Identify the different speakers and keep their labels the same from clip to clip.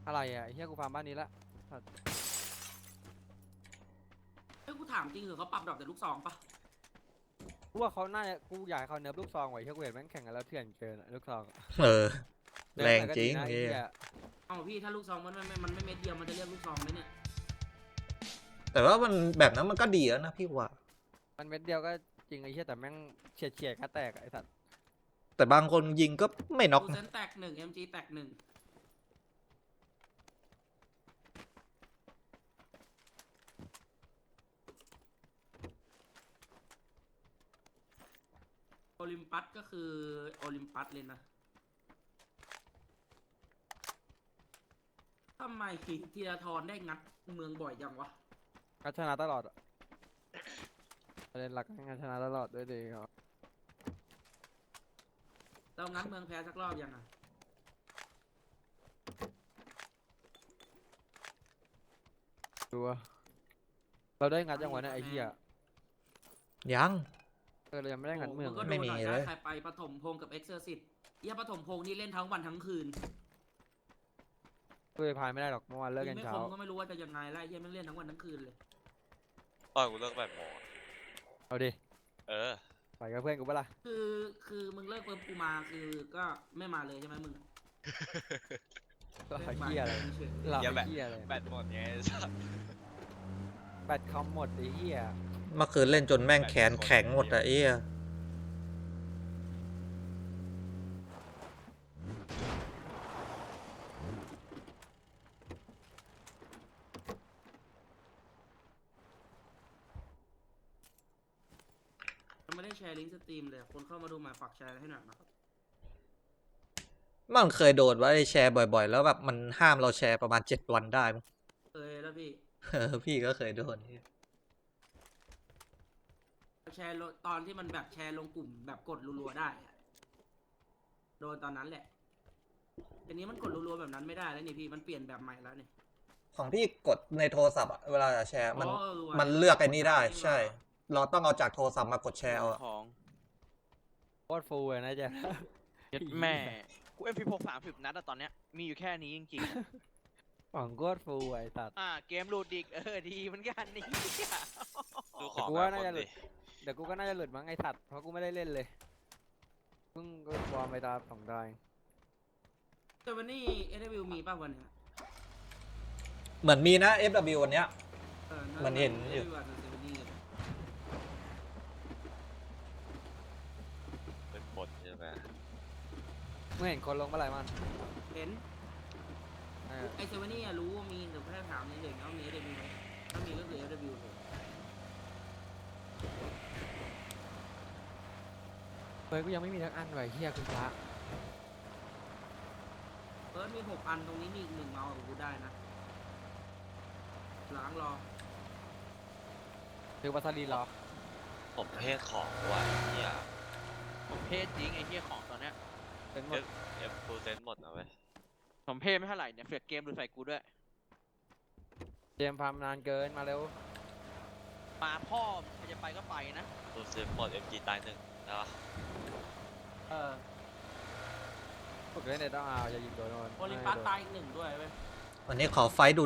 Speaker 1: อะไรอ่ะไอ้เฮียกูฟาร์มบ้านนี้ละ
Speaker 2: เฮ้ยกูถามจริงเหรอเขาปรับดรอปแต่ลูกซองปะ
Speaker 1: กูว่าเขาน่าจะกูอยากให้เขาเนิร์ฟลูกซองไว้เฮียกูเห็นแม่งแข่งกันแล้วเถื่อนเกินอะลูกซอง
Speaker 3: เออ
Speaker 1: เนิ
Speaker 3: แร
Speaker 1: ร์ฟ
Speaker 3: ง
Speaker 1: หน่อยก็
Speaker 3: จริ
Speaker 1: ดี
Speaker 3: ง
Speaker 1: นะไอ้
Speaker 3: เฮีย
Speaker 1: เฮีย
Speaker 2: เอาพี่ถ้าลูกซองมันไม่เม็ดเดียวมันจะเรียกลูกซองไหมเนี่ย
Speaker 3: แต่ว่ามันแบบนั้นมันก็ดีแล้วนะพี่ว่า
Speaker 1: มันเม็ดเดียวก็จริงไอ้เฮียแต่แม่งเฉียดก็แตกอะไอ้สัตว์
Speaker 3: แต่บางคนยิงก็ไม่น็อก
Speaker 2: กูเซ
Speaker 3: นะ
Speaker 2: นแตกหนึ่ง MG แตกหนึ่งโอลิมปัสก็คือโอลิมปัสเลยนะทำไมธีรทรได้งัดเมืองบ่อยจังวะ
Speaker 1: ก็ชนะตลอดอะประเด็นหลักงานชนะตลอดด้วยดีครับ
Speaker 2: เรางัดเมืองแพ้สักรอบยังอ่ะ
Speaker 1: ดูว่าเราได้งัดยังวะเนี่ยไอ้เฮีย
Speaker 3: ยัง
Speaker 1: เรายังไม่ได้งัดเมือง
Speaker 2: ก็
Speaker 1: เลย
Speaker 2: โด
Speaker 3: ไม่
Speaker 2: น
Speaker 3: มี
Speaker 2: หน่อย
Speaker 3: เล
Speaker 2: ได้
Speaker 3: ย
Speaker 2: ใครไปปฐมพงษ์กับเอ็กเซอร์ซิตเฮียปฐมพงษ์นี่เล่นทั้งวันทั้งคืน
Speaker 1: กูไปพายไม่ได้หรอกเมื่อวานเลิกกัน
Speaker 2: ไม่
Speaker 1: เช้า
Speaker 2: คมก็ไม่รู้ว่าจะยังไงไล่เฮียแม่งเล่นทั้งวันทั้งคืนเลย
Speaker 4: ตอนกูเลิก8 โมงอะ
Speaker 1: เอาดิ
Speaker 4: เออ
Speaker 1: ไปกับเพื่อนกูปะล่ะ
Speaker 2: คือมึงเลิกเปิดกูมาคือก็ไม่มาเลยใช่ไหมมึง
Speaker 1: ก็
Speaker 2: เลิก
Speaker 1: เฮียอะไร
Speaker 2: เฉย
Speaker 1: หลับ
Speaker 4: เหี้ยแบบ
Speaker 1: เฮียอะไร
Speaker 4: แบตหมดไงไอ้สัส
Speaker 1: แบตคอมหมดไอ้เฮีย
Speaker 3: เมื่อคืนเล่นจนแม่งแขนแข็งหมดอะเอ้ย
Speaker 2: ๆมันไม่ได้แชร์ลิงก์สตรีมเลยคนเข้ามาดูมาฝากแชร์ให้หน่อยนะครับ
Speaker 3: มันเคยโดนว่าไอ้แชร์บ่อยๆ แล้วแบบมันห้ามเราแชร์ประมาณ7 วันได้มั้ง
Speaker 2: เคยแล้วพี่
Speaker 3: เออพี่ก็เคยโดน
Speaker 2: แชร์ตอนที่มันแบบแชร์ลงกลุ่มแบบกดรัวๆได้อะโดนตอนนั้นแหละทีนี้มันกดรัวๆแบบนั้นไม่ได้แล้วนี่พี่มันเปลี่ยนแบบใหม่แล้วนี่
Speaker 3: ของพี่กดในโทรศัพท์อะเวลาจะแชร์มัน
Speaker 2: อ๋อว่ะ
Speaker 3: มันเลือกไอ้นี่ได้ ใช่ เราต้องเอาจากโทรศัพท์มากดแชร์เอาอะ
Speaker 5: ของ
Speaker 1: โคตรฟูเลยนะเจ๊
Speaker 5: ยัดแม่ กู MP6 30 นัดอะตอนเนี้ย มีอยู่แค่นี้จริง
Speaker 1: ของโคตรฟูไอ้สัตว์
Speaker 5: ๆ เกมรูดดิกดีเหมือนกันนี่
Speaker 4: ดูของ
Speaker 1: กู
Speaker 4: แบ
Speaker 1: ว่า
Speaker 4: บ
Speaker 1: น่า
Speaker 4: คน
Speaker 1: จะหลุ
Speaker 4: ดิ
Speaker 1: ด เดี๋ยวกูก็น่าจะหลุดมั้งไอ้สัตว์เพราะกูไม่ได้เล่นเลยเพิ่งก็วอร์มไปตาม2 ดาวเอง
Speaker 2: แต่วันนี้เอเดวิวมีป่ะวันเนี้ย
Speaker 3: เหมือนมีนะ FW วันเนี้ย มันเห็นอยู่
Speaker 2: เดวิวนี่
Speaker 4: เป็นบทใช่ไหม
Speaker 1: เมื่อเห็นคนลงเมื่อไหร่มัน
Speaker 2: เห็น
Speaker 1: เออ
Speaker 2: ไอเซเว่นนี่รู้ว่ามีแต่แค่ถามเฉยๆว่ามีเอเดวิวไหมถ้ามีก็คือเอเดวิวเลย
Speaker 1: เฮ้ยกูยังไม่มีทั้งอันไว้เฮียคุณพระ
Speaker 2: มี6 อันตรงนี้มีอีก1เมาส์กับกูได้นะล้างรอ
Speaker 1: ถือวัสลีรอ
Speaker 4: ผมเพศของว่ะเนี่ย
Speaker 5: ผมเพศจริงไอ้เหี้ยของตอนเนี้ย
Speaker 1: เป็นหมด
Speaker 4: ฟูเซนหมดนะเว้ย
Speaker 5: ผมเพศไม่เท่าไหร่เนี่ยเฟียเกมดูใส่กูด้วย
Speaker 1: เจมส์ฟาร์มนานเกินมาเร็ว
Speaker 5: มาพ่อใครจะไปก็ไปนะ
Speaker 4: ฟูเซนหมด MG ตาย1นะวะ
Speaker 1: ฝึกเล่นเด็ดต้องเอาอย่ายิงโดน
Speaker 2: โอลิมปัสตายอีก1ด้วยเว้ย
Speaker 3: วันนี้ขอไฟต์ดุ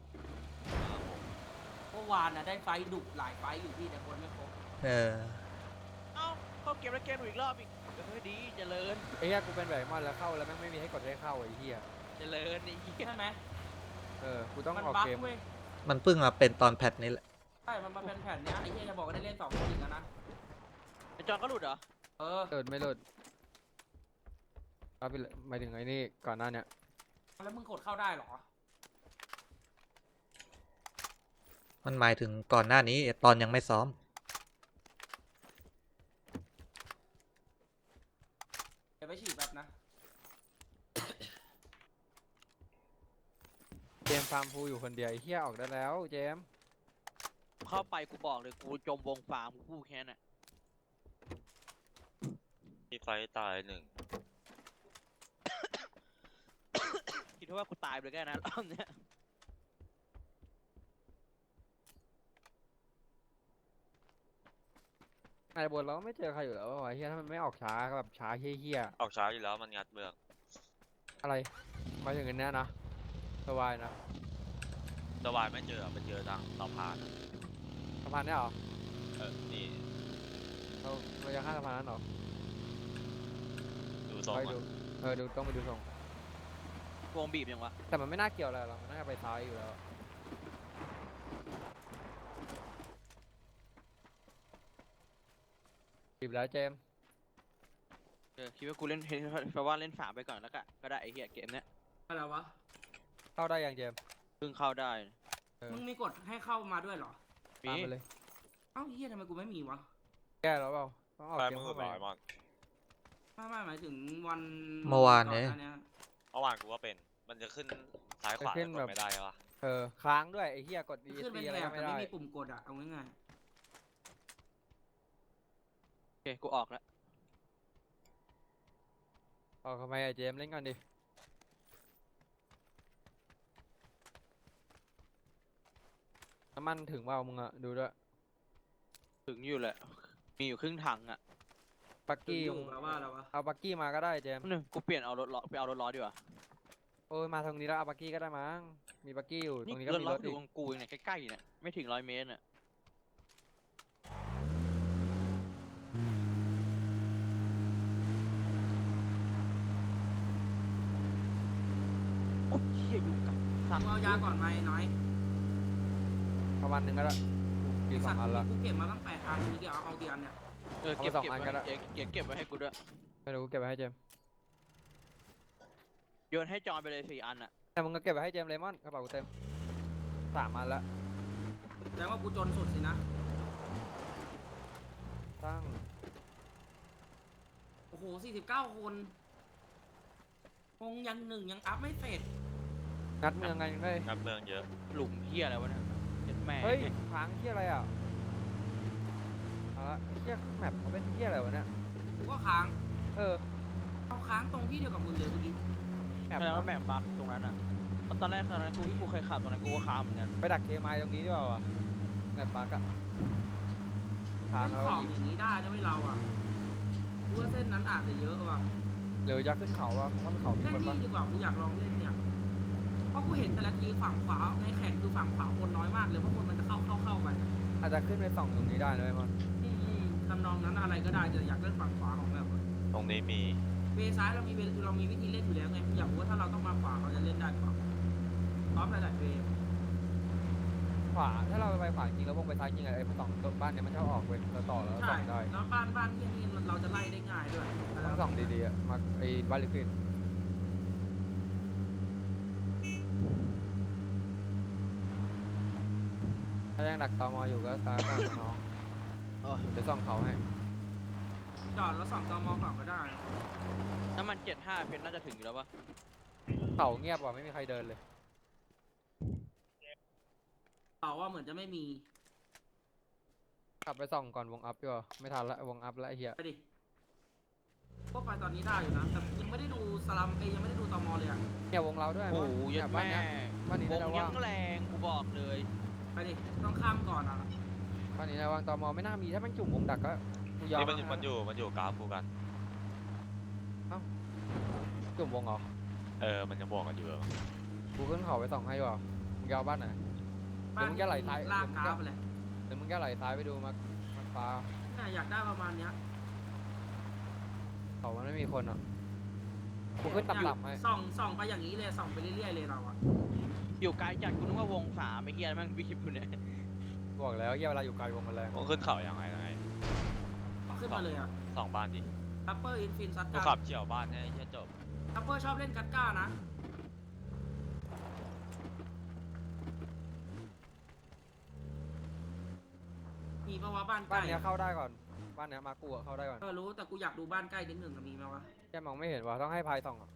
Speaker 2: เมื่อวานน่ะได้ไฟท์ดุหลายไฟท์อยู่พี่แต่คนไม่ครบ
Speaker 3: เออ
Speaker 5: เอ้าเข้าเกมแล้วเกมดูอีกรอบอีกดีเจริญ
Speaker 1: ไอ้เฮียกูเป็นแบบมอนแล้วเข้าแล้วแม่งไม่มีให้กดให้เข้าไอ้เฮีย
Speaker 5: เจริญไอ้เหี้ย
Speaker 2: ใช่ไหม
Speaker 1: กูต้อง
Speaker 2: มัน
Speaker 1: ออก
Speaker 2: บั๊ก
Speaker 1: เกม
Speaker 2: เว้ย
Speaker 3: มันเพิ่งมาเป็นตอนแพทนี้แหละ
Speaker 2: ใช่มันมาเป็นแผ่นเนี้ยไอ้เหี้ยจะบอกว่าได้เล่น2 คนอีกแล้วนะ
Speaker 5: ไอ้จอนก็หลุดเหรอ
Speaker 1: หลุดไม่หลุดเอาไปเลยหมายถึงไอ้นี่ก่อนหน้าเนี่ย
Speaker 2: แล้วมึงกดเข้าได้เหรอ
Speaker 3: มันหมายถึงก่อนหน้านี้ตอนยังไม่ซ้อม
Speaker 2: เดี๋ยวไปฉีดแบบนะ
Speaker 1: เจมส์ฟาร์มฟูอยู่คนเดียวไอ้เฮียออกได้แล้วเจมส์
Speaker 5: เข้าไปกูบอกเลยกูจมวงฟาร์มกูพูดแค่นั้น
Speaker 4: มีไฟตาย1
Speaker 5: คิดว่ากูตายไปเลยแค่นั้นรอบเนี้ย
Speaker 1: ไอ้บนเราก็ไม่เจอใครอยู่แล้ววะเฮียถ้ามันไม่ออกช้าก็แบบช้าเฮี้ย
Speaker 4: ออกช้าอยู่แล้วมันงัดเมือง
Speaker 1: ๆอะไรหมายถึงอันเนี้ยนะสบายนะ
Speaker 4: สวายไม่เจอไปเจอทางสะพาน
Speaker 1: สะพานเนี่ยเหรอ
Speaker 4: นี่
Speaker 1: เราจะข้ามสะพานนั้นเหรอ
Speaker 4: ดูทรง
Speaker 1: ไป
Speaker 4: อะ
Speaker 1: ดูดูต้องไปดูทรง
Speaker 5: วงบีบยังวะ
Speaker 1: แต่มันไม่น่าเกี่ยวอะไรหรอกมันน่าจะไปซ้ายอยู่แล้วบีบแล้วเจมส์
Speaker 5: คิดว่ากูเล่นแปลว่าเล่นฝาไปก่อนแล้วก็ได้ไอ้เหี้ยเกมเนี้ย
Speaker 2: อะไรวะ
Speaker 1: เข้าได้ยังเจมส์
Speaker 5: เพิ่งเข้าได้
Speaker 2: มึงมีกฎให้เข้ามาด้วยเหรอ
Speaker 5: มี
Speaker 1: ตามไปเลย
Speaker 2: เอ้าเฮียทำไมกูไม่มีวะ
Speaker 1: แก้แล้วเปล่าต้องออก
Speaker 4: ไป
Speaker 1: เกม
Speaker 4: มือ
Speaker 1: เข้า
Speaker 4: ห
Speaker 1: ไป
Speaker 4: ลายมัน
Speaker 2: ไม่หมายถึงวัน
Speaker 3: เมื่อวานนี้
Speaker 2: ก่ห
Speaker 4: เมื่อวานกูว่าเป็นมันจะขึ้นซ้ายขวาแต่กดไม่ได้ใช่ปะ
Speaker 1: ค้างด้วยไอ้เหี้ยกด
Speaker 2: ขึ้น
Speaker 1: ESC
Speaker 2: เป็น
Speaker 1: อะไร
Speaker 2: แถ
Speaker 1: ก็
Speaker 2: บ
Speaker 1: ไม่
Speaker 2: แต่
Speaker 1: ได้
Speaker 2: ไม่มีปุ่มกดอะเอาง่าย
Speaker 5: โอเคกูออกแล้ว
Speaker 1: ออกทำไมไอ้เจมส์เล่นก่อนดิน้ำมันถึงเปล่ามึงอะดูด้วย
Speaker 5: ถึงอยู่แหละมีอยู่ครึ่งถังอ่ะ
Speaker 1: บัก
Speaker 2: ๆ
Speaker 1: กี้
Speaker 2: อยู่แปลว่าอะไรวะ
Speaker 1: เอาบักกี้มาก็ได้เจมส์
Speaker 5: นึงกูเปลี่ยนเอารถล้อไปเอารถล้อดีกว่า
Speaker 1: โอ้ยมาตรงนี้แล้วเอาบักกี้ก็ได้มั้งมีบักกี้อยู่ต
Speaker 5: นี่
Speaker 1: รงนี้ก็
Speaker 5: รถ
Speaker 1: มี
Speaker 5: ล้อ
Speaker 1: รถ
Speaker 5: อ
Speaker 1: อี
Speaker 5: ยู่
Speaker 1: ก
Speaker 5: ตรงกูเองเนี่ยใกล้ๆเนี่ยไม่ถึง100 เมตรเนี่ยโอ้ยเหี้ยอยู่กับสัตว์
Speaker 2: มึงเอายาก่อนไหมน้อย
Speaker 1: ประมาณนึงก็ได้มีสองอันละ
Speaker 2: กูเก็บมาตั้ง8 อันมีเดียวเอากี่อันเนี่ย
Speaker 5: เก็บ
Speaker 1: เอาไป
Speaker 5: เก็บ
Speaker 1: 2 อัน
Speaker 5: ไว้
Speaker 1: ก็ได้
Speaker 5: เก็บไว้ให้กูด้วย
Speaker 1: ไม่รู้กูเก็บไว้ให้เจมส์
Speaker 5: โยนให้จอนไปเลย4 อันอ่ะ
Speaker 1: แต่มึงก็เก็บไว้ให้เจมส์เลมอนกระเป๋ากูเต็ม3 อันละ
Speaker 2: แสดงว่ากูจนสุดสินะ
Speaker 1: ตั้ง
Speaker 2: โอ้โห49 คนคงยังหนึ่งยังอัพไม่เสร็จ
Speaker 1: งัดเมืองไงยังได้
Speaker 4: งัดเมืองเยอะ
Speaker 5: หลุมเหี้ยอะไรวะเนี่ยเจ็ดแม่
Speaker 1: เฮ้ยค้างเที่ยอะไรอ่ะเอาละเที่ยแมปเขาเป็นเที่ยอะไรวะเนี่ย
Speaker 2: กูก็ค้าง
Speaker 1: เออ
Speaker 2: เอาค้างตรงที่เดียวกับมึงเลยเมื่อกี้
Speaker 1: แมป
Speaker 5: แสดงว่าแมปบั๊กตรงนั้นอ่ะเพราะตอนแรกกูเคยขับตรงนั้นกูก็ค้างเหมือนกัน
Speaker 1: ไปดักเคมายตรงนี้ดีกว่าวะแมปบักอะค้าง
Speaker 2: เล่น
Speaker 1: แล้ว
Speaker 2: ของอย่างนี้ได้นะไม่เราอ่ะกูว่าเส้นนั้นอาจจะเยอะว่ะ
Speaker 1: เดี๋ยวจะขึ้นเขาวะถ้ามันเขาที่
Speaker 2: เล่น
Speaker 1: มัน
Speaker 2: นี่ดีกว่ากูอยากลองเล่นเนี่ยเพราะกูเห็นแต่ละทีฝั่งขวาในแข่งคือฝั่งขวาคนน้อยมากเลยเพราะคนมันจะเข้าไป
Speaker 1: อาจจะขึ้นไปส่องตรงนี้ได้นะไอ้มัน
Speaker 2: ทำนองนั้นอะไรก็ได้แต่อยากเล่นฝั่งขวาของแบบ
Speaker 4: ตรงนี้มี
Speaker 2: เวซ้ายเรามีวิธีเล่นอยู่แล้วไงอยากรู้ว่าถ้าเราต้องมาขวาเราจะเล่นได้หรือเปล่าพร้อมหลายๆเว
Speaker 1: ขวาถ้าเราไปขวาจริงแล้ววงไปซ้ายจริงอะไอ้ส่องบ้านเนี่ยมันชอบออกเว้ยเราต่อแล้ว
Speaker 2: ใช่
Speaker 1: ส่องได้
Speaker 2: แล้วบ้านที่นี่เราจะไล่ได้ง่ายด้วย
Speaker 1: ต้องส่องดีๆอะมาไอ้บ้านลิขิตถ้ายังดักตอมออยู่ก็ซ้ายก่อนน้องเดี๋ยวส่องเขาให้
Speaker 2: จอดแล้วส่องจอมองก่อนก็ได้
Speaker 5: น้ำมัน75เพชรน่าจะถึงอยู่แล้วปะ
Speaker 1: เขาเงียบว่ะไม่มีใครเดินเลย
Speaker 2: เขาว่าเหมือนจะไม่มี
Speaker 1: กลับไปส่องก่อนวงอัพดีกว่าไม่ทันละวงอัพละไอ้เหี้ย
Speaker 2: ไปดิพวกไปตอนนี้ได้อยู่นะแต่ยังไม่ได้ดูสลัมยังไม่ได้ดูตอมอเลยอ่ะ
Speaker 1: เนี่ยวงเราด้วย
Speaker 5: โอ้โห
Speaker 1: เนี่
Speaker 5: ยั
Speaker 1: ย
Speaker 5: ด
Speaker 1: บ้าน
Speaker 5: แม่
Speaker 1: เนี้ยบ้านนี้
Speaker 5: ว
Speaker 1: น่าง จะ
Speaker 5: ยั
Speaker 1: ว่าง
Speaker 5: งแรงกูบอกเลย
Speaker 2: ไปดิต้องข้ามก่อนอ่ะ
Speaker 1: บ้านนี้น่าจะว่างตอมอไม่น่ามีถ้ามันจุ่มวงดักก็กูยอม
Speaker 4: นี่มัน
Speaker 1: แล้วะ
Speaker 4: มันอยู่กราฟกูกัน
Speaker 1: จุ่มวงเหรอ
Speaker 4: มันจะบวกกันอยู่
Speaker 1: กูขึ้นเขาไปส่องให้ดีกว่ามึงจะเอาบ้านไหน
Speaker 2: บ้าน
Speaker 1: เดี๋ยวมึงจะไหลซ้าย
Speaker 2: ลากกราฟไปเลย
Speaker 1: เดี๋ยวมึงแค่ไหลซ้ายไปดูมาฟ้า
Speaker 2: เนี่ยอยากได้ประมาณเนี้ย
Speaker 1: เขามันไม่มีคนอ่ะกูขึ้นต่ำๆให้
Speaker 2: ส่องไปอย่างนี้เลยส่องไปเรื่อยๆเลยเราอ่ะ
Speaker 5: อยู่ไกลจัดกูนึกว่าวง3ไม่เฮียแม่งวิคิปอยู่เนี่ย
Speaker 1: บอกแล้วเหี้ยเวลาอยู่ไกลวงมันแรง
Speaker 4: ต้องขึ้นเขาอย่างไร
Speaker 2: ขึ้นมาเลยอ่ะ
Speaker 4: สองบ้านดิ
Speaker 2: ทัปเปอร์อินฟินซัด
Speaker 4: กู
Speaker 2: กั
Speaker 4: ขั
Speaker 2: น
Speaker 4: บเฉี่ยวบ้านให้แค่จบ
Speaker 2: ทัปเปอร์ชอบเล่นกัดก้านะมีปะวะบ้านใก
Speaker 1: บ้าน
Speaker 2: ล้
Speaker 1: เนี้ยเข้าได้ก่อนบ้านเนี้ยมากูอะเข้าได้ก่อน
Speaker 2: รู้แต่กูอยากดูบ้านใกล้นิดหนึ่งอะมีไหมวะ
Speaker 1: แค่มองไม่เห็นว่ะต้องให้พายส่องอะ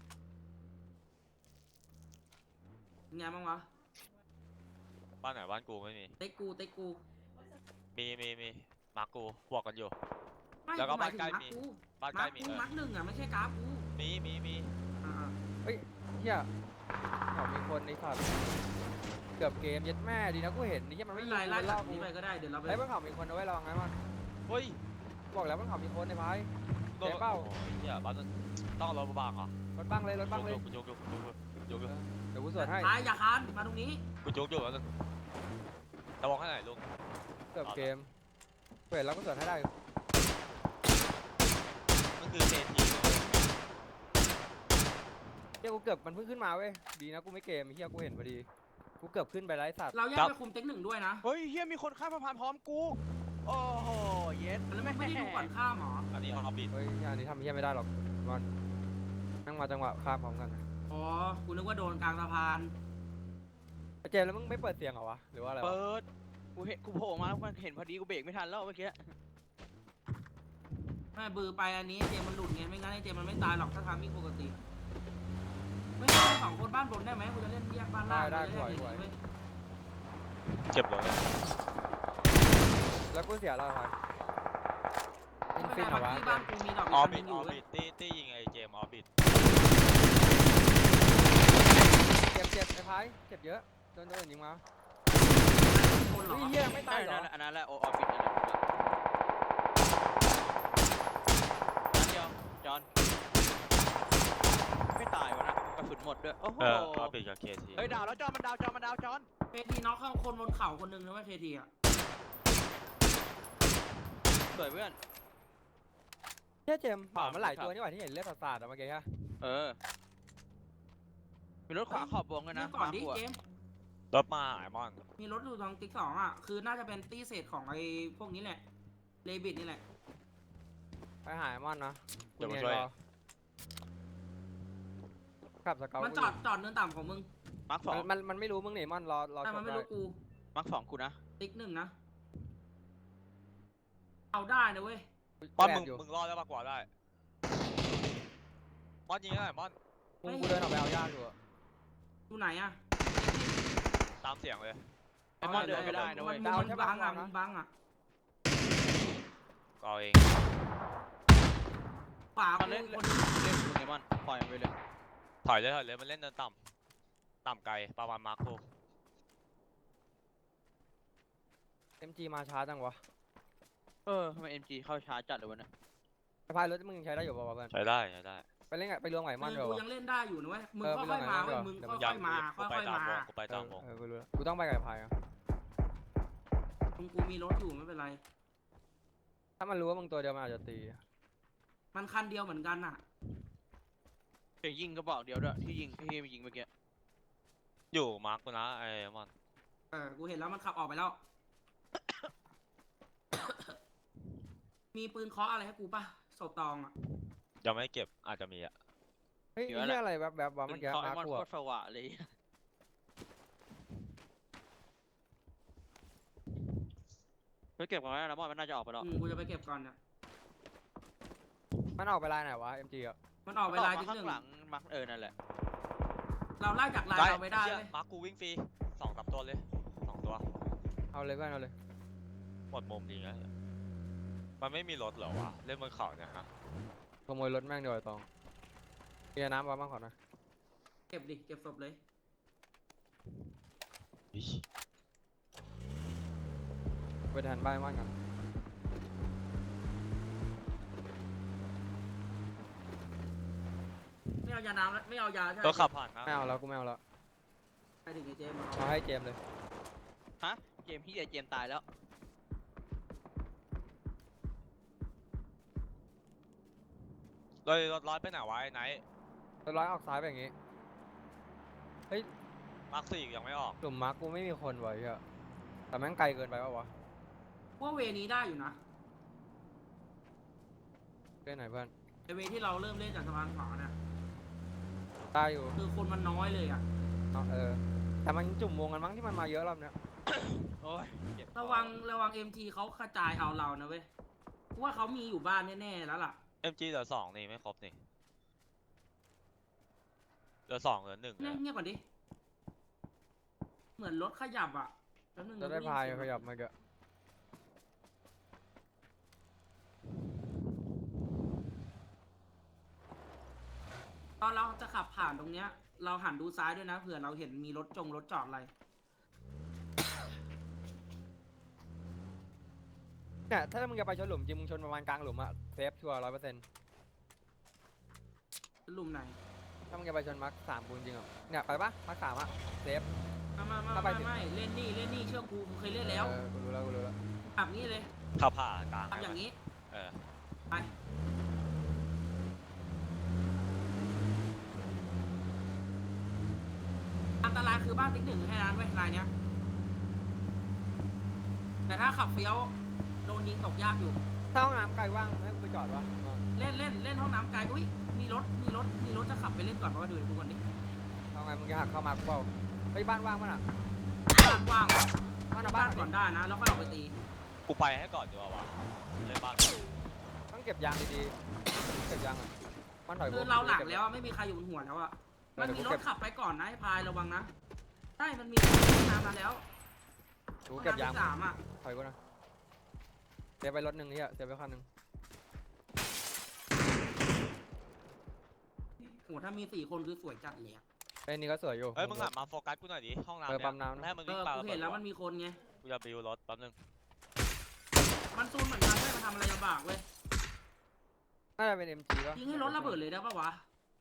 Speaker 2: ไงบ้างวะ
Speaker 4: บ้านไหนบ้านกูไม่มี
Speaker 2: เต็กกู
Speaker 4: มีมากูบวกกันอยู่
Speaker 2: ไม่
Speaker 4: แล้วก็
Speaker 2: หมยถึง
Speaker 4: บ้านใกล้มี บ้านใกล้มี
Speaker 2: มาร์คหนึ่งอะไม่ใช่กราฟกู
Speaker 4: มี
Speaker 2: อ่า
Speaker 1: เฮ้ยเหี้ยเขามีคนในสัตว์เกือบเกมยัดแม่ดีนะกูเห็นนี่ยังมัน
Speaker 2: ไม่
Speaker 1: ไม่
Speaker 2: เป็น
Speaker 1: ยิ
Speaker 2: ไรง ไล่
Speaker 1: มัน
Speaker 2: จา
Speaker 1: ล่อก กู
Speaker 2: นี้ไปก็ได้เดี๋ยวเราไป
Speaker 1: ไอ้ยบนเขามีคนเอาไว้ลองไงมัน
Speaker 4: เฮ้ย
Speaker 1: บอกแล้วบนเขามีคนในพาย
Speaker 4: โดน
Speaker 1: เจ๊เป้า
Speaker 4: โอ้ยเหี้ยบ้านต้องเอารถมาบังเหรอ
Speaker 1: รถบังเลยรถบังเลย
Speaker 4: ยก
Speaker 1: เดี๋ยวกูสวนให้
Speaker 2: ท้ายอย่าคานมาตรงนี้
Speaker 4: กูจุกอยู่แล้วนึงระวังให้หน่อยลุง
Speaker 1: เกือบเกมเปิดแล้วก็สวนให้ได้
Speaker 4: มันคือเจที
Speaker 1: เฮียกูเกือบมันเพิ่งขึ้นมาเว้ยดีนะกูไม่เกมเฮียกูเห็นพอดีกูเกือบขึ้นไปไร้สัตว์
Speaker 2: เราแยกไปคุมเต็กหนึ่งด้วยนะ
Speaker 5: เฮ้ยเฮียมีคนข้ามสะพานพร้อมกู โอ้โหเย็ด
Speaker 2: แล้วไม่ได้ดูก่อนข้ามหรอ
Speaker 4: อันนี้ออบิด
Speaker 1: เฮ้ยอันนี้ทำเฮียไม่ได้หรอกมันนั่งมาจังหวะข้ามพร้อมกัน
Speaker 2: อ๋อกูนึกว่าโดนกลางสะพาน
Speaker 1: ไอ้เจมส์แล้วมึงไม่เปิดเสียงเหรอวะหรือว่าอะไรวะ
Speaker 5: เปิดกูเห็นกูโผล่มาแล้วมันเห็นพอดีกูเบรกไม่ทันแล้วเมื่อกี้
Speaker 2: ไม่บือไปอันนี้เจมมันหลุดไงไม่งั้นไอ้เจมมันไม่ตายหรอกถ้าทำมิ่งปกติไม่ใช่สองคนบ้านบนได้ไหมกูจะเล่นแยกบ้านล่าง
Speaker 1: ได้
Speaker 2: กูจะเล่น
Speaker 1: ไหว
Speaker 2: อย่างนี้เว้ย
Speaker 4: เจ็บเลย
Speaker 1: แล้วกูเสียแล้วครับอิน
Speaker 2: ไม่
Speaker 1: ฟิ
Speaker 2: เป็น
Speaker 1: น
Speaker 2: ไร
Speaker 1: เหรอวะ
Speaker 2: ที่บ้านกูมีดอก
Speaker 4: ออ
Speaker 2: อีก
Speaker 4: บิ
Speaker 2: อั
Speaker 4: ด
Speaker 2: นหนึงอยู่เว้ย
Speaker 4: ตี้ยิงไอ้เจมออบิด
Speaker 1: เจ็บไอ้พายเจ็บเยอะโดนยิงมา
Speaker 2: คนเหรอ
Speaker 1: เฮียไม่ตายเหรอ
Speaker 5: อันนั้นแหละโออฟฟิศนั่นแหละนัดเดียวจอนไม่ตายวะนะกระสุนหมดด้วยโอ้โห
Speaker 4: ออบิดกับเคที
Speaker 5: เฮ้ยดาวแล้วจอนมันดาวจอน
Speaker 2: เคทีน็อกเข้าคนบนเขาคนหนึงนะเว่าเคทีอ่ะ
Speaker 5: สวยเพื่อน
Speaker 1: เฮียเจมส์เผามันหลายตัวนี่หว่าที่เห็นเลือดสาดๆอะเมื่อกี้ฮะ
Speaker 5: เออมีรถขวาขอบวงกันนะ
Speaker 2: เรื่องก่อนดิ
Speaker 5: มา
Speaker 2: เจม
Speaker 4: รถมาไอ้มอน
Speaker 2: มีรถอยู่ทางติ๊กสองอ่ะคือน่าจะเป็นตี้เศษของไอ้พวกนี้แหละเลบิดนี่แหละ
Speaker 1: ไปหายมอนนะ
Speaker 4: เดี๋ยวมาช่วย
Speaker 1: ขับสเกล
Speaker 2: มันจอดเนินต่ำของมึง
Speaker 5: มาร์คสอง
Speaker 1: มันไม่รู้มึงหนีมอนรอ
Speaker 2: แต่
Speaker 1: ช
Speaker 2: มัน
Speaker 1: ม
Speaker 2: ไม่
Speaker 1: ได้
Speaker 2: รู้กู
Speaker 5: มาร์คสองกูนะ
Speaker 2: ติ๊กหนึ่งนะเอาได้นะเว้ย
Speaker 4: มอน
Speaker 1: แร
Speaker 4: มึ
Speaker 1: ง
Speaker 4: ง
Speaker 1: อยู่
Speaker 4: มึงรอดได้ปะกว่าได้มอนยิงได้มอน
Speaker 1: กูเดินออกไปเอายากอยู่อะ
Speaker 2: อยู่ไหนอ่ะ
Speaker 4: ตามเสียงเลย
Speaker 5: ไอ้มอนเดินไม่ได้นะเว้ย
Speaker 2: มันบังอ่ะมันบังอ่ะ
Speaker 4: ก็เอาเอง
Speaker 2: ขวา
Speaker 5: มันเล่น
Speaker 2: คน
Speaker 5: เล่นมึงไอ้มอนปล่อยมันไปเลย
Speaker 4: ถอยเลยมันเล่นเดินต่ำไกลประมาณมาร์คโค
Speaker 1: MG มาช้าจังวะ
Speaker 5: เออทำไม MG เข้าช้าจัดเลยวะเนี่ย
Speaker 1: ไอ้พายรถมึงใช้ได้อยู่ป่าวะเพื่อน
Speaker 4: ใช้ได้
Speaker 1: ไปเล่นไปรวมไหวมอน
Speaker 2: คือ
Speaker 1: เดี๋ยว
Speaker 2: กู
Speaker 1: วะ
Speaker 2: ยังเล่นได้อยู่นะเว้ยมึง
Speaker 1: เออ
Speaker 2: ค่อยๆมาเว้ย
Speaker 1: ไป
Speaker 2: มึง
Speaker 1: เดี๋ยว
Speaker 2: ค่
Speaker 4: ยั
Speaker 2: อยๆมา
Speaker 4: กูไป
Speaker 2: ค่อยๆ
Speaker 4: ตาม
Speaker 2: มาว
Speaker 4: งกูไปตามวง
Speaker 1: กูรู้แล้วกูต้องไปกับไอ้พายอะ
Speaker 2: ตรงกูมีรถอยู่ไม่เป็นไร
Speaker 1: ถ้ามันรู้ว่ามึงตัวเดียวมันอาจจะตี
Speaker 2: มันคันเดียวเหมือนกันอ่ะ
Speaker 5: เดี๋ยวยิงกระบอกเดียวด้วยที่ยิงเมื่อกี้
Speaker 4: อยู่มาร์คกูนะไอ้มอน
Speaker 2: กูเห็นแล้วมันขับออกไปแล้ว มีปืนเคาะอะไรให้กูป่ะศพตองอ่ะ
Speaker 4: ยังไม่เก็บอาจจะมีอ่ะ
Speaker 1: เฮ้ยนี่อะไรแบบวะเมื่อกี้
Speaker 5: เขาไอ้
Speaker 1: มา
Speaker 5: มอน
Speaker 1: ข
Speaker 5: โคว ตรสว่างเลยไปเก็บก่อนนะมอนมันน่าจะออกไปแล้ว
Speaker 2: กูจะไปเก็บก่อนเนี่ย
Speaker 1: มันออกไปลายไหนวะ MG อะ
Speaker 2: มันออกไปลายที่
Speaker 5: ข้า
Speaker 2: หนึ่
Speaker 5: ง
Speaker 2: ง
Speaker 5: หลังมักนั่นแหละ
Speaker 2: เราไล่จากลายเราไม่ได้
Speaker 4: เหี้ย
Speaker 2: เลย
Speaker 4: มาร์คกูวิ่งฟรี2-3ตัวเลย2ตัว
Speaker 1: เอาเลยเพื่อนเอาเลย
Speaker 4: หมดมุมดีนะมันไม่มีรถเหรอวะเล่นบนเขาเนี่ยฮะ
Speaker 1: ขโมยรถแม่งเดี๋ยวไอ้ตองเกียร์น้ำวะบ้างก่อนนะ
Speaker 2: เก็บดิเก็บศพเลย
Speaker 4: อิ๊ย
Speaker 1: ไปแทนบ้านมอนกัน
Speaker 2: ไม่เอายาน้ำแล้วไม่เอายาใช่ไหม
Speaker 4: ตัวขับผ่านนะ
Speaker 1: ไม่เอาแล้วกูไม่เอาแล้ว
Speaker 2: ไปถึงไอ้เจมส์
Speaker 1: เอาให้เจมส์เลย
Speaker 5: ฮะเกมพี่เจมตายแล้ว
Speaker 4: เลยรถร้อยไปไหนวะไอ้ไนท์
Speaker 1: ตัวร้อยออกซ้ายไปอย่างงี้
Speaker 4: มาร์ค4ยังไม่ออก
Speaker 1: กลุ่มมาร์กกูไม่มีคนไว้อะแต่แม่งไกลเกินไปปะวะ
Speaker 2: ว่าเวนี้ได้อยู่นะ
Speaker 1: เล่นไหนเพื่อน
Speaker 2: ไอเวที่เราเริ่มเล่นจากสะพานขวาเนี่ย
Speaker 1: ได้อยู่
Speaker 2: คือคนมันน้อยเลยอ่ะ
Speaker 1: แต่มันจุ่มวงกันมั้งที่มันมาเยอะรอบเนี้ย
Speaker 5: โอ้ยเจ็บ
Speaker 2: ระวังMG เขากระจายเอาเรานะเว้ยกูว่าเขามีอยู่บ้านแน่ๆแล้วล่ะ
Speaker 4: MG เหลือ2นี่ไม่ครบนี่เหลือ2เหลือ1
Speaker 2: เงี
Speaker 4: เนี่ย ย
Speaker 2: บเงียบก่อนดิ เหมือนรถขยับอ่ะแป๊บนึง
Speaker 1: จะได้พายขยับมาเกะ
Speaker 2: ตอนเราจะขับผ่านตรงเนี้ย เราหันดูซ้ายด้วยนะเผื่อเราเห็นมีรถจอดอะไร
Speaker 1: เนี่ยถ้ามึงจะไปชนหลุมจริงมึงชนประมาณกลางหลุมอะเซฟชัวร์100%
Speaker 2: หลุมไหน
Speaker 1: ไถ้ามึงจะไปชนมาร์คสามกูจริงๆเหรอเนี่ยไปปะมาร์คสามอะเซฟ ถ้าไปถึง
Speaker 2: ไม่เล่นนี่เชื่อกูเคยเล่นแล้ว
Speaker 1: กูรู้แล้ว
Speaker 2: แบบนี้เลย
Speaker 4: เข้าผ่ากลาง
Speaker 2: ทำอย่างนี้
Speaker 4: เออ
Speaker 2: ไปอันตรายคือบ้านติ๊กหนึ่งแค่นั้นเว้ยลายเนี้ยแต่ถ้าขับเฟี้ยวโดนยิงตกยากอยู่
Speaker 1: ถ้าห้องน้ำไกลว่างให้กูไปจอดวะ
Speaker 2: เล่นห้องน้ำไกลอุ้ยมีรถจะขับไปเล่นก่อนเพราะว่าดูก่อนดิ
Speaker 1: เอาไงมึงจะหักเข้ามากูเปล่าไปบ้านว่างมั้ยน่ะ
Speaker 2: บ้านว่าง
Speaker 1: บ้านเอา
Speaker 2: บ้า
Speaker 1: บ้าน น
Speaker 2: ก่อนได้นะ แล้วค่อยออกไปตี
Speaker 4: กูไปให้ก่อนดีกว่าวะเล่นบ้าน
Speaker 1: ต้องเก็บยางดีๆเก็บยางอ่ะบ้านถอย
Speaker 2: คือเราหลังแล้วไม่มีใครอยู่บนหัวแล้วอ่ะมันมีรถขับไปก่อนนะไอ้พายระวังนะใช่มันมีห้องน้ำมาแล้ว
Speaker 1: กูเก็บยาง
Speaker 2: ห้อน้ำที่สามอ่ะ
Speaker 1: ถอยกูนะเสียไปรถหนึ่งนี่อ่ะเสียไปคันหนึ่ง
Speaker 2: โหถ้ามี4 คนคือสวยจัดเลยอะ
Speaker 1: ไอ้นี่ก็สวยอยู่
Speaker 4: เฮ้ยมึงหันมาโฟกัสกูหน่อยดิห้องน้ำ
Speaker 1: เออ
Speaker 4: เนี่ย
Speaker 1: ปั๊มน้ำนะ
Speaker 4: ให้มัน
Speaker 2: เอ
Speaker 4: วิ่ง
Speaker 2: อ
Speaker 4: ปา
Speaker 2: กู
Speaker 4: ระเบิ
Speaker 2: เห็
Speaker 4: ด
Speaker 2: นแล้วมันมีคนไง
Speaker 4: กูจะบิวรถแป๊บนึง
Speaker 2: มันซูนเหมือนกันไม่มาทำอะไรลำบากเว้ย
Speaker 1: น่าจะเป็น MG ป่ะ
Speaker 2: ยิงให้รถระเบิดเลยได้ปะวะ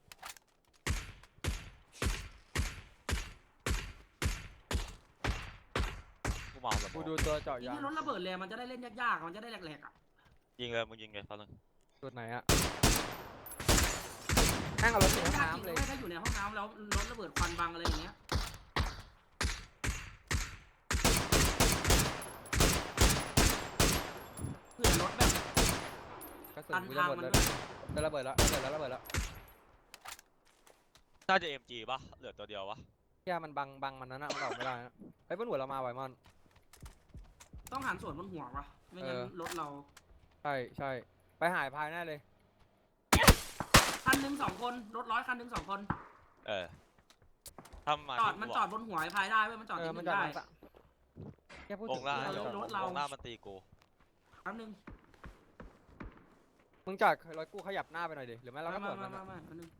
Speaker 4: กูเมาแบบ
Speaker 1: กูดูตัวเจาะ
Speaker 2: ยิง
Speaker 1: ยาง
Speaker 2: ให้รถระเบิดเลยมันจะได้เล่นยากๆมันจะได้แหลกๆอ่ะ
Speaker 4: ยิงเลยมึงยิงเลยแป๊บนึง
Speaker 1: จุดไหนอ่ะแม่งเอารถถึง
Speaker 2: ยากจริ
Speaker 1: น้ำ
Speaker 2: ง
Speaker 1: เลย
Speaker 2: ไม่ถ้าอยู่ในห้องน้ำแล้วรถระเบิดควันบังอะไรอย่างเงี้ยเผื่อรถแบบ
Speaker 1: กระสุน
Speaker 2: ตัน
Speaker 1: กู
Speaker 2: ทา
Speaker 1: จะ
Speaker 2: ง
Speaker 1: หมด
Speaker 2: มัน
Speaker 1: เลย
Speaker 2: ด้วย
Speaker 1: ระเบิดแล้วระเบิดแล้ว
Speaker 4: น่าจะ MG ป่ะเหลือตัวเดียววะ
Speaker 1: แย่มันบังมันนั้นอ่ะมันออกไม่ได้นะไอ้บนหัวเรามาไวมอน
Speaker 2: ต้องหันสวนบนหัววะไม่งั้นรถเรา
Speaker 1: ใช่ไปหายพายแน่เลย
Speaker 2: คันหนึ่ง2 คนรถ100 คันหนึ่ง2 คน
Speaker 4: เออถ้ามา
Speaker 2: จอดมันจอดบนหัวไอ้พายได้เว้ยมันจอด
Speaker 1: เอ
Speaker 2: ที่
Speaker 1: อ
Speaker 2: ห
Speaker 1: มัน
Speaker 2: นึ่ง
Speaker 1: จอด
Speaker 2: ได้
Speaker 1: มาแค่พูด
Speaker 4: ว
Speaker 1: ถึ
Speaker 4: ง
Speaker 1: ง
Speaker 4: ล่าง
Speaker 2: เอารถเรา
Speaker 4: วงล่างมันตีกู
Speaker 2: แป๊บนึง
Speaker 1: มึงจอดรถกูขยับหน้าไปหน่อยดิหรือไม่เราก็
Speaker 2: มา
Speaker 1: เปิดมัน
Speaker 2: แป๊
Speaker 1: อะ
Speaker 2: บนึง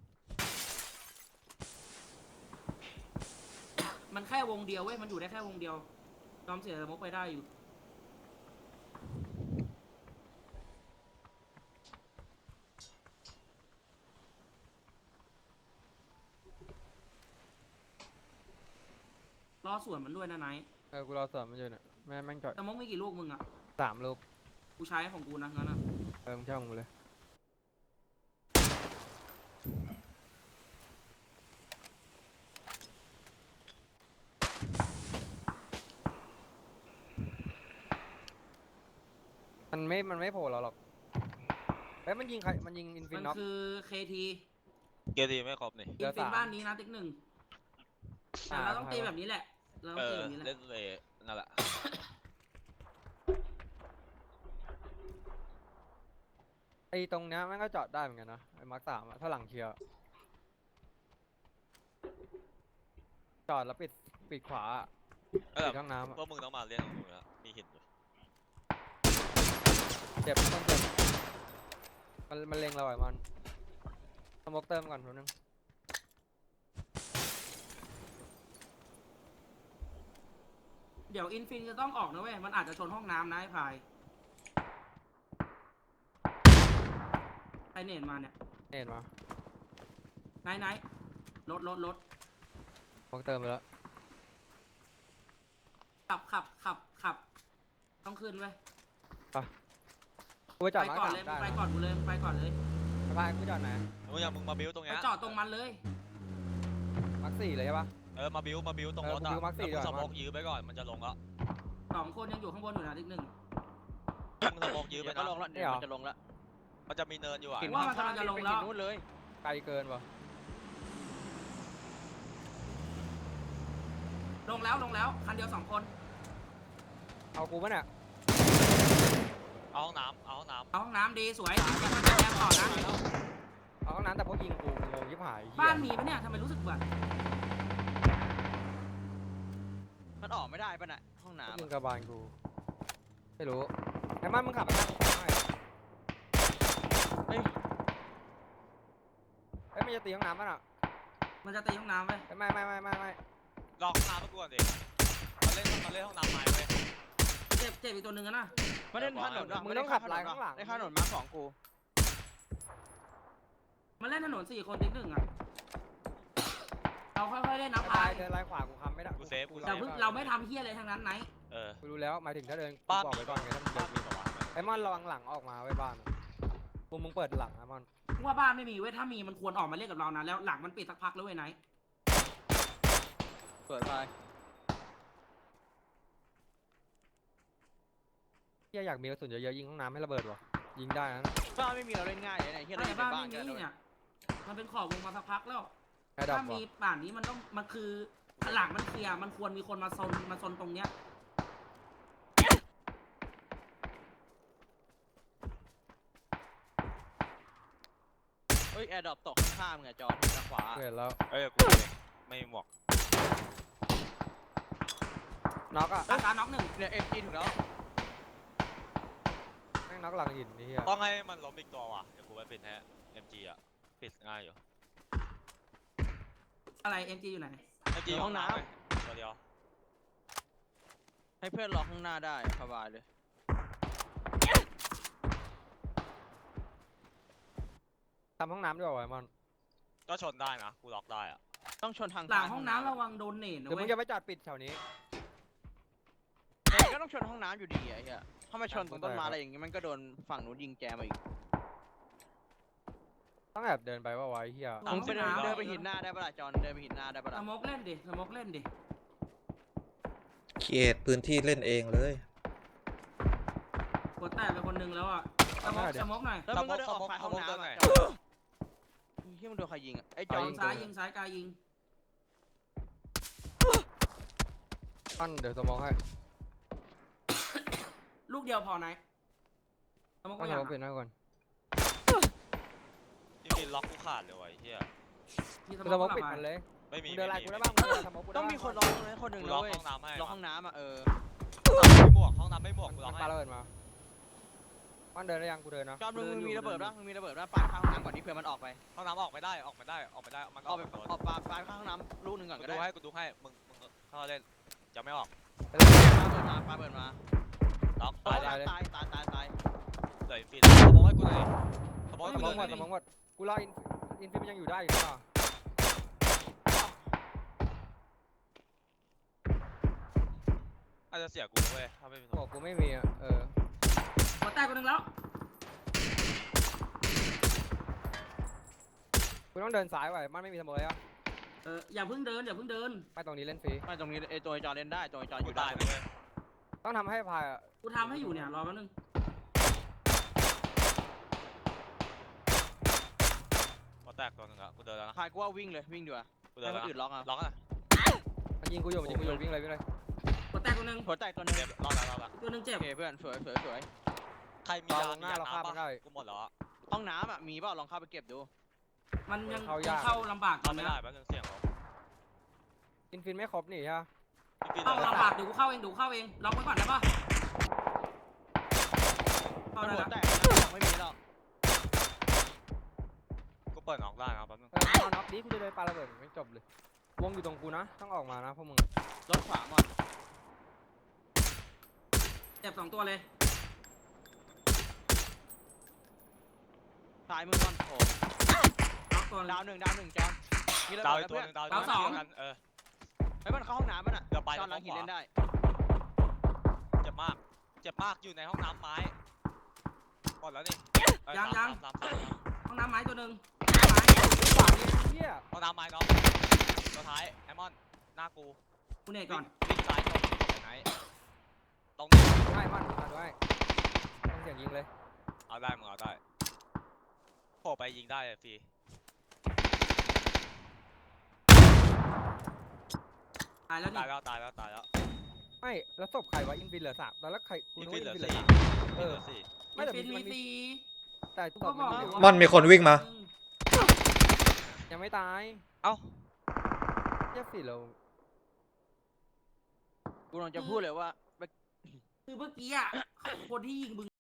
Speaker 2: มันแค่วงเดียวเว้ยมันอยู่ได้แค่วงเดียวยอมเสียสมกไปได้อยู่รอสวนมันด้วยนะไนท์
Speaker 1: เออกูรอสวนมันอยู่เนี่ยแม่งจอด
Speaker 2: สมกมีกี่ลูกมึงอ่ะ
Speaker 1: 3 ลูก
Speaker 2: กูใช้ของกูนะงั้นอ่ะ
Speaker 1: เออมึงเช่ามึงเลยมันไม่โผล่เราหรอกเฮ้ยมันยิงใครมันยิงอินฟิ
Speaker 2: มัน น
Speaker 1: น็อก
Speaker 2: คือเคที
Speaker 4: เกียร์ดีไม่ครบนี่
Speaker 2: อินฟินบ้านนี้นะติ๊กหนึ่งแต่เราต้องตีแบบนี้แหละเราต้
Speaker 4: เอ
Speaker 2: องตี
Speaker 4: อ
Speaker 2: แบบนี้แห
Speaker 4: เล่
Speaker 2: ละ
Speaker 4: นเลยนั่นแหละ
Speaker 1: ไอ้ตรงเนี้ยมันก็จอดได้เหมือนกันนะไอ้มาร์ค 3อะถ้าหลังเคลียร์จอดแล้วปิดขวาอะ
Speaker 4: เออ
Speaker 1: ปิดห้องน้ำอะ
Speaker 4: พวกมึงต้องมาเล่นของมึงแล้วมีหินอยู่
Speaker 1: เจ็บต้องเจ็บมันเล็งเราไอ้มันสโมกเติมก่อนแป๊บนึง
Speaker 2: เดี๋ยวอินฟินจะต้องออกนะเว้ยมันอาจจะชนห้องน้ำนะไอ้พายใครเน็ตมาเนี่ย
Speaker 1: เห็นมา
Speaker 2: ไหนรถ
Speaker 1: สโมกเติมไปแล้ว
Speaker 2: ขับต้องขึ้นเว้ย
Speaker 1: กูไปจอด
Speaker 2: ไป
Speaker 1: มาร์ค
Speaker 2: ก่อน
Speaker 1: 3
Speaker 2: เลย
Speaker 1: ได้
Speaker 2: ไปก่อนกูเลยไปก่อนเลย
Speaker 1: สะพายกูจอดไหน
Speaker 4: มึงมาบิวตรง
Speaker 2: ไป
Speaker 4: เนี้ย
Speaker 2: จอดตรงมันเลย
Speaker 1: มาร์ค 4เลยใช่ปะ
Speaker 4: เออมาบิวตรงรถ
Speaker 1: เออกูบิวมาร์คสี่
Speaker 4: แล้วมึง
Speaker 1: ดี
Speaker 4: ส
Speaker 1: กว่า
Speaker 4: โมกยื้อไปก่อนมันจะลงแล้ว
Speaker 2: 2 คนยังอยู่ข้างบนอยู่นะติ๊กหนึ่ง
Speaker 4: มึงสโมกยื้อไป
Speaker 5: เดี๋ยวก็
Speaker 4: นะ
Speaker 5: ลงแล้วเดี๋ยวมันจะลงแล้ว
Speaker 4: มันจะมีเนินอยู่อ่ะ
Speaker 5: หิน
Speaker 2: ว่ามันกำลังจะลงแล้ว
Speaker 5: ไปหินนู้นเลย
Speaker 1: ไกลเกินวะ
Speaker 2: ลงแล้วคันเดียว2 คน
Speaker 1: เอากูปะเนี่ย
Speaker 4: เอาห้องน้ำ
Speaker 2: เอาห้องน้ำดีสวยยังมันจะแรงต่อนะ
Speaker 1: เอาห้องน้ำแต่พวกยิงกูงงยิบหายเหี้ย
Speaker 2: บ้านมีปะเนี่ยทำไมรู้สึกเบื่อ
Speaker 5: มันออกไม่ได้ป่ะน่ะห้องน้ำ
Speaker 1: ยิง
Speaker 5: อะ
Speaker 1: กระบาลกูไม่รู้ไอ้มันมึงขับไปทางขวาหน่อย
Speaker 5: เฮ้ย
Speaker 1: เอ้ยมันจะตีห้องน้ำป่ะน่ะ
Speaker 2: มันจะตีห้องน้ำเว้ย
Speaker 1: เอ้ยไม่
Speaker 4: รอห้องน้ำมาก่อนดิมาเล่นห้องน้ำไม้เว้ย
Speaker 2: เจ็บอีกตัวหนึ่งอะนะ
Speaker 5: มันเล่นถนนว่ะ
Speaker 1: มึงต้องขับไล่ข้างหลัง
Speaker 5: ได้ข้างถนนมาของกู
Speaker 2: มันเล่นถนน4 คนติ๊กหนึ่งอะเราค่อยๆเล่นนะ
Speaker 1: ไป
Speaker 2: พาย
Speaker 1: เดินไล่ขวากูค้ำไม่ได้
Speaker 4: กูเซฟกู
Speaker 2: แต่เพิ่งเราไม่ทำเฮี้ยอะไรทั้งนั้นไหน
Speaker 4: เออ
Speaker 1: กูรู้แล้วหมายถึงถ้าเดินกู
Speaker 4: บ้าน
Speaker 1: บอกไปก่อนไงถ้ามึงเดิ
Speaker 4: บ้าน
Speaker 1: น
Speaker 4: มีเหรอวะ
Speaker 1: ไอ้มอนระวังหลังออกมาไว้บ้านมึงเปิดหลังนะมอน
Speaker 2: ว่าบ้านไม่มีเว้ยถ้ามีมันควรออกมาเล่นกับเรานะแล้วหลังมันปิดสักพักแล้วเว้ยไหน
Speaker 5: เปิดไป
Speaker 1: เฮียอยากมีกระสุนเยอะๆยิงห้องน้ำให้ระเบิดวะยิงได้นะ
Speaker 5: บ้านไม่มีเราเล่นง่ายเลยนะเฮียเรา
Speaker 2: ใน
Speaker 5: อยู่ใน
Speaker 2: บ้าน
Speaker 5: บ้าน
Speaker 2: ไม่
Speaker 5: กัน
Speaker 2: มี
Speaker 5: นะเว้ย
Speaker 2: เนี่ยมันเป็นขอบวงมาสักพักแล้ว
Speaker 1: แค่ดับ
Speaker 2: ถ้าว
Speaker 1: ะ
Speaker 2: มีป่านนี้มันต้องมันคือหลังมันเคลียร์มันควรมีคนมาซนตรงเนี้ย
Speaker 5: เฮ้ยแอร์ดรอปตกข้างๆมึงอะจอนทางขวา
Speaker 1: เห็นแล้ว
Speaker 4: เอ้ยกูเองไม่มีหมวก
Speaker 1: น็อกอ่ะ
Speaker 2: อาการน็อกหนึ่ง
Speaker 5: เนี่ยMG ถึงแล้ว
Speaker 1: แม่งน็อกหลังหินนี่เฮีย
Speaker 4: ต้องให้มันล้มอีกตัวว่ะเดี๋ยวกูไปปิดให้ MG อ่ะปิดง่ายอยู่
Speaker 2: อะไร MG อยู่ไหน
Speaker 4: MG ห้องน้ำตัวเดียว
Speaker 5: ให้เพื่อนรอข้างหน้าได้สบายเลย
Speaker 1: ทำห้องน้ำด้วยวะไอ้มอน
Speaker 4: ก็ชนได้นะกูล็อกได้อ่ะ
Speaker 5: ต้องชนทาง
Speaker 2: หลังห้องน้ำระวังโดนเนต
Speaker 1: ห
Speaker 2: นะ
Speaker 1: รือมึ
Speaker 2: เว้
Speaker 1: ง
Speaker 2: ย
Speaker 1: จะไปจอดปิดแถวนี้
Speaker 5: ก็ต้องชนห้องน้ำอยู่ดีอะไอ้เหี้ยถ้าไม่ชนตรงต้นไม้อะไรอย่างงี้มันก็โดนฝั่งนู้นยิงแจมาอีก
Speaker 1: ต้องแอบเดินไปว่าวะไอ้เฮีย
Speaker 5: มึงไปเดินไปหินหน้าได้ปะล่ะจอนเดินไปหินหน้าได้ปะ
Speaker 2: ส
Speaker 5: ล่ะ
Speaker 2: มกเล่นดิสมกเล่นดิ
Speaker 3: เขียดพื้นที่เล่นเองเลย
Speaker 2: กดแตกไปคนหนึงแล้วอ่ะสมกหน่อย
Speaker 5: แล้วมึงก็เดินออกไปห้องน้ำอะจอนที่มึงโดนใครยิงอะไอ้จ
Speaker 2: จ
Speaker 5: อ
Speaker 2: อน งซ้ายยิงซ้ายกายยิง
Speaker 1: ปั้นเดี๋ยวสมองให้
Speaker 2: ลูกเดียวพอไหนสมก
Speaker 1: ปั้
Speaker 2: ไม่
Speaker 1: น
Speaker 2: อ
Speaker 1: ส
Speaker 2: ยาม
Speaker 1: องปิดหน้าก่อน
Speaker 4: จริงๆล็อกกูขาดเลยว่ะไอ้เฮีย
Speaker 2: มีส
Speaker 1: สม
Speaker 2: ม
Speaker 1: อก
Speaker 2: ก
Speaker 1: ปิด
Speaker 2: มา
Speaker 1: มันเลย
Speaker 4: ไม่มี
Speaker 1: มึงเดินไล่กูได้
Speaker 4: ไม่
Speaker 1: บ้างมึงเดินสมองกูได้
Speaker 5: ต้องมีคนรอตรงนั้นคนหนึ่ง
Speaker 4: กู
Speaker 5: นะ
Speaker 4: ล็อก
Speaker 5: เว้ย
Speaker 4: ห้องน้ำให้
Speaker 5: รอห้องน้ำอะ
Speaker 4: ห้องน้ำไม่หมวกกูล็
Speaker 1: มั
Speaker 4: อก
Speaker 1: น
Speaker 4: ให้
Speaker 1: ปาระเบิดมาปั้นเดินได้ยังกูเดินนะ
Speaker 5: จอนมึงมีระเบิดป่ะมึงมีระเบิดป่ะปาข้างห้องน้ำก่อนที่เพื่อนมันออกไป
Speaker 4: ห้องน้ำออกไม่ได้ออกไม่ได้มัน
Speaker 5: ออกไป
Speaker 4: โดน
Speaker 5: ออกปาข้างห้องน้ำลูกหนึ่งก่อน
Speaker 4: กู
Speaker 5: ก็
Speaker 4: ดู
Speaker 5: ได้
Speaker 4: ให้มึงเข้าเล่นจะไม่ออก
Speaker 5: ปาเปิดมา
Speaker 4: ล็อก
Speaker 5: ตา
Speaker 4: ตาย ย
Speaker 5: ตายตายตายตาย
Speaker 4: เดี๋ยวอินฟินสมองให้กูหน่อยสมองให้
Speaker 1: ส
Speaker 4: กู
Speaker 1: ม
Speaker 4: ห
Speaker 1: องหม
Speaker 4: น่
Speaker 1: ด
Speaker 4: อย
Speaker 1: สมองหมดกูรออินฟิมันยังอยู่ได้อยู่ป่ะ
Speaker 4: อาจจะเสียกูเว้ยถ้าไม่มีสม
Speaker 1: บ
Speaker 4: อ
Speaker 1: อง กกูไม่มีอ่ะ
Speaker 2: กดแตกคนหนึงแล้ว
Speaker 1: กูต้องเดินซ้ายไว้มันไม่มีสมองเลยอ่ะ
Speaker 2: อย่าเพิ่งเดินอย่าเพิ่งเดิน
Speaker 1: ไปตรงนี้เล่นฟรี
Speaker 5: ไม่ตรงนี้ไอ้ตัวจอเล่นได้ตัวจออ
Speaker 4: กู
Speaker 5: ยู่ได้
Speaker 4: ตายเลยเว้ย
Speaker 1: ต้องทำให้พายอ่ะ
Speaker 2: กูทำให้อยู่เนี่ยรอแป๊บนึง
Speaker 4: พอแตกตัวหนึงอะกูเดินแล้วนะ
Speaker 5: พายกูว่าวิ่งเลยวิ่งดีกว่า
Speaker 4: กูเดิ
Speaker 5: ให้
Speaker 4: น
Speaker 5: ค
Speaker 4: แล้ว
Speaker 5: นอื่นล็อกอ่ะ
Speaker 4: ล็อกอ่ะ
Speaker 1: มันยิงกูอยู่วิ่งเลย
Speaker 2: กดแตกคนหนึง
Speaker 5: หัวแตกตัวหนึง
Speaker 4: เจ็บรอดแล้ว
Speaker 2: ตัวหนึงเจ็
Speaker 5: โอบ เคเพื่อนสวยสวย
Speaker 4: ใครมียามียาน้ำปะกูหมดแล้วอะ
Speaker 5: ห้องน้ำอ่ะมีเปล่าลองเข้าไปเก็บดู
Speaker 2: มันยังเข้าลำบากตอ
Speaker 4: เข้าน ไม่
Speaker 2: นี้
Speaker 4: ได้แป๊บนึงเสียงเขา
Speaker 1: อินฟินไม่ครบนี่ใช่ไหม
Speaker 4: อินฟิน
Speaker 2: เข้าลำบากเดี๋ยวกูเข้าเองล็อกไว้ก่อนได้ปะเข้า
Speaker 5: มัน
Speaker 2: ได้
Speaker 5: หัว
Speaker 2: แล้ว
Speaker 5: แตกไม่มีแล้ว
Speaker 4: กูเปิดออกได้นะแป๊บนึง
Speaker 1: เอาน็อกนี้กูจะเลยปาระเบิดไม่จบเลยวงอยู่ตรงกูนะต้องออกมานะพวกมึง
Speaker 5: รถขวาหมด
Speaker 2: เจ็บ2 ตัวเลย
Speaker 5: ซ้ายมือก่อนโอ้
Speaker 2: ล็อกตัวหนึ่ง
Speaker 5: ดาวหนึ่งจอนมีระ
Speaker 4: ดาว
Speaker 5: เบิ
Speaker 4: อี
Speaker 5: ด
Speaker 4: กตัว
Speaker 5: เพื่อน
Speaker 4: นึงดาว
Speaker 2: ดาวสอง
Speaker 4: กัน
Speaker 5: ไอ้มันเข้าห้องน้ำมันอ่ะ
Speaker 4: เดี๋ยวไป
Speaker 5: จอนหลังหินเล่นได้
Speaker 4: เจ็บมากอยู่ในห้องน้ำไม้หมดแล้วนี่
Speaker 2: ยัง ห้องน้ำไม้ตัวหนึ่ง
Speaker 1: ขวานี่เฮีย
Speaker 4: ห้องน้ำไม้น้องตัวท้ายไอมอนหน้ากู
Speaker 2: กูเนตก่อน
Speaker 4: วิ่งซ้ายตรงไหนตรงนี้
Speaker 1: ให้มันตัดไว้ต้องเสียงยิงเลย
Speaker 4: เอาได้มึงเอาได้โผล่ไปยิงได้ฟรี
Speaker 2: ตายแล้วนี่
Speaker 4: ตายแล้ว
Speaker 1: ไม่แล้วศพใครวะอินฟินเหลือ3แล้วใครกู
Speaker 4: อิน
Speaker 1: นึก
Speaker 4: ฟิ
Speaker 1: ว่าน
Speaker 4: เห
Speaker 1: อิ
Speaker 4: ลื
Speaker 1: น
Speaker 4: อ
Speaker 1: ฟินเหลื
Speaker 4: สี่
Speaker 1: อ
Speaker 4: เหลือสี่
Speaker 1: ไม่แต่
Speaker 2: ฟิน
Speaker 1: มัน
Speaker 2: มี
Speaker 1: มี
Speaker 2: ฟรี
Speaker 1: แต่
Speaker 2: กู
Speaker 1: ศ
Speaker 2: ก็
Speaker 1: พ
Speaker 2: บอก
Speaker 1: มันอยู่
Speaker 2: ว่า
Speaker 3: มันมีคนวิ่งมา
Speaker 1: ยังไม่ตาย
Speaker 4: เอ้า
Speaker 1: เฮียฟินเรา
Speaker 5: กูลองจะพูดเลยว่า
Speaker 2: คือเมื่อกี้อ่ะคนที่ยิงมึง